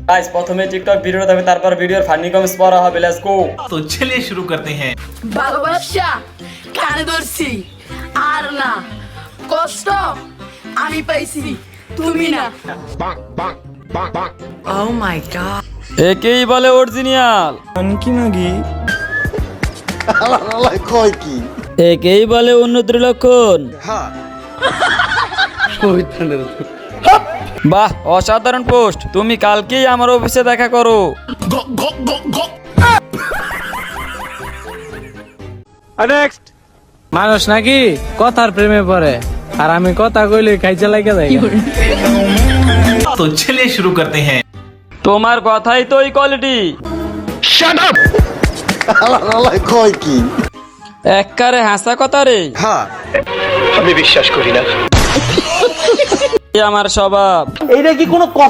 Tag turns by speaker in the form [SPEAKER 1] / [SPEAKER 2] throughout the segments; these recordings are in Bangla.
[SPEAKER 1] गाइस প্রথমে টিকটক ভিডিও দেবে তারপর ভিডিওর ফানি কমেন্টস পড়া হবে। Let's go.
[SPEAKER 2] तो चलिए शुरू करते हैं।
[SPEAKER 3] ভালোবাসা কানে ধরছি আর না কষ্ট আমি পাইছি তুমি না। Oh my god.
[SPEAKER 1] একেই বলে অরিজিনাল। একেই বলে উন্নতির লক্ষণ। বাহ, অসাধারণ পোস্ট। তুমি কালকেই আমার অফিসে দেখা করো।
[SPEAKER 4] নেক্সট।
[SPEAKER 5] মানুষ নাকি কথার প্রেমে পড়ে, আর আমি কথা কইলে খাইছে লাগে যাই।
[SPEAKER 2] तो चलिए शुरू करते हैं।
[SPEAKER 1] তোমার কথাই তো কোয়ালিটি।
[SPEAKER 4] Shut up.
[SPEAKER 1] এককারে হাসা কথা রে।
[SPEAKER 4] হ্যাঁ, আমি বিশ্বাস করি না।
[SPEAKER 1] এই আমার স্বভাব।
[SPEAKER 4] এইটা কি কোনো কথা?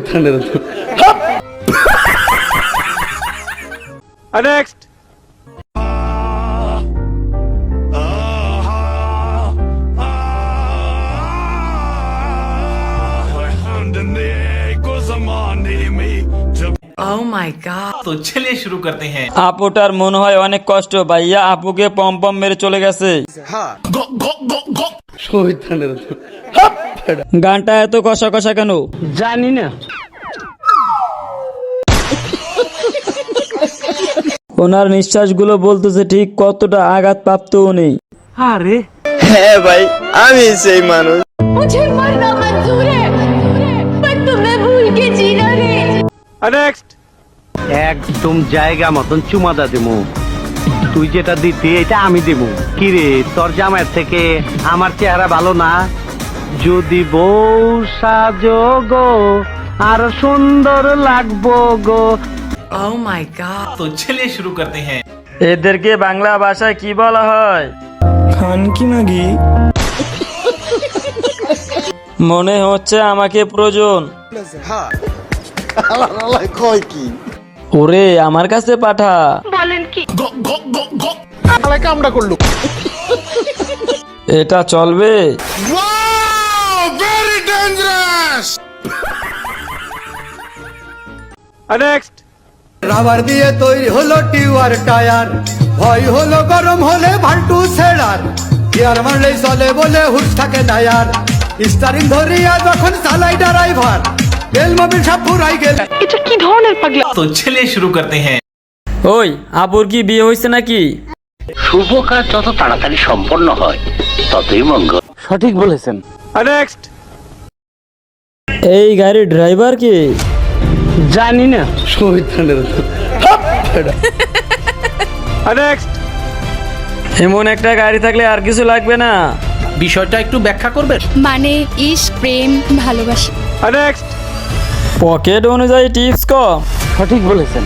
[SPEAKER 4] নেক্সট।
[SPEAKER 3] Oh my god.
[SPEAKER 2] तो चलिए शुरू करते हैं।
[SPEAKER 1] আপুটার মনে হয় অনেক কষ্ট, ভাইয়া আপুকে পম পম মেরে চলে গেছে।
[SPEAKER 4] হ্যাঁ,
[SPEAKER 1] গানটা এত কষা কষা কেন?
[SPEAKER 5] জানি না।
[SPEAKER 1] ওনার নিঃশ্বাসগুলো বলতেছে ঠিক কতটা আঘাত প্রাপ্তও নেই।
[SPEAKER 5] আরে
[SPEAKER 4] হ্যাঁ ভাই, আমি সেই মানুষ।
[SPEAKER 6] मुझे मरना मंजूर है पर तुम्हें भूल के जीना रे।
[SPEAKER 4] নেক্সট।
[SPEAKER 7] একদম জায়গা মতন চুমাদা দিমু, তুই যেটা দিতি এটা আমি দিমু। কিরে তোর জামাইয়ের থেকে আমার চেহারা ভালো না? যদি বউ সাজো গো আর সুন্দর লাগবো গো।
[SPEAKER 3] Oh my god.
[SPEAKER 2] तो चलिए शुरू करते हैं।
[SPEAKER 1] এদেরকে বাংলা ভাষায় কি বলা হয়? মনে হচ্ছে আমাকে প্রয়োজন।
[SPEAKER 4] হ্যাঁ,
[SPEAKER 1] ওরে আমার কাছে পাঠা।
[SPEAKER 4] কামড়া করলো।
[SPEAKER 1] এটা চলবে?
[SPEAKER 4] Very dangerous. নেক্সট।
[SPEAKER 8] রাবার দিয়ে তৈরি হলো টিউয়ার টায়ার, ভয় হলো গরম হলে ভাল্টু ছেড়ার, গিয়ার মারলেই চলে বলে হুশ থাকে টায়ার, স্টারিং ধরিয়া যখন চালাই ড্রাইভার, তেল মোবিল সব ফুরাই গেল।
[SPEAKER 2] तो चलिए शुरू करते हैं।
[SPEAKER 1] ওই আপুর কি বিয়ে হয়েছে নাকি?
[SPEAKER 7] শুভ কাজ যত তাড়াতাড়ি সম্পন্ন হয় ততই মঙ্গল।
[SPEAKER 5] সঠিক বলেছেন।
[SPEAKER 4] নেক্সট।
[SPEAKER 1] এই গাড়ির ড্রাইভার কে?
[SPEAKER 5] জানি না।
[SPEAKER 4] নেক্সট।
[SPEAKER 1] এমন একটা গাড়ি থাকলে আর কিছু লাগবে না।
[SPEAKER 2] বিষয়টা একটু ব্যাখ্যা করবেন।
[SPEAKER 6] মানে ইশক প্রেম ভালোবাসা।
[SPEAKER 4] নেক্সট।
[SPEAKER 1] পকেট অনুযায়ী টিপস কম।
[SPEAKER 5] সঠিক বলেছেন।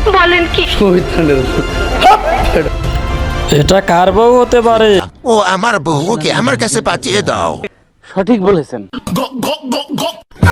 [SPEAKER 1] এটা কার বউ হতে পারে?
[SPEAKER 9] ও আমার বউকে আমার কাছে পাঠিয়ে দাও।
[SPEAKER 5] সঠিক বলেছেন।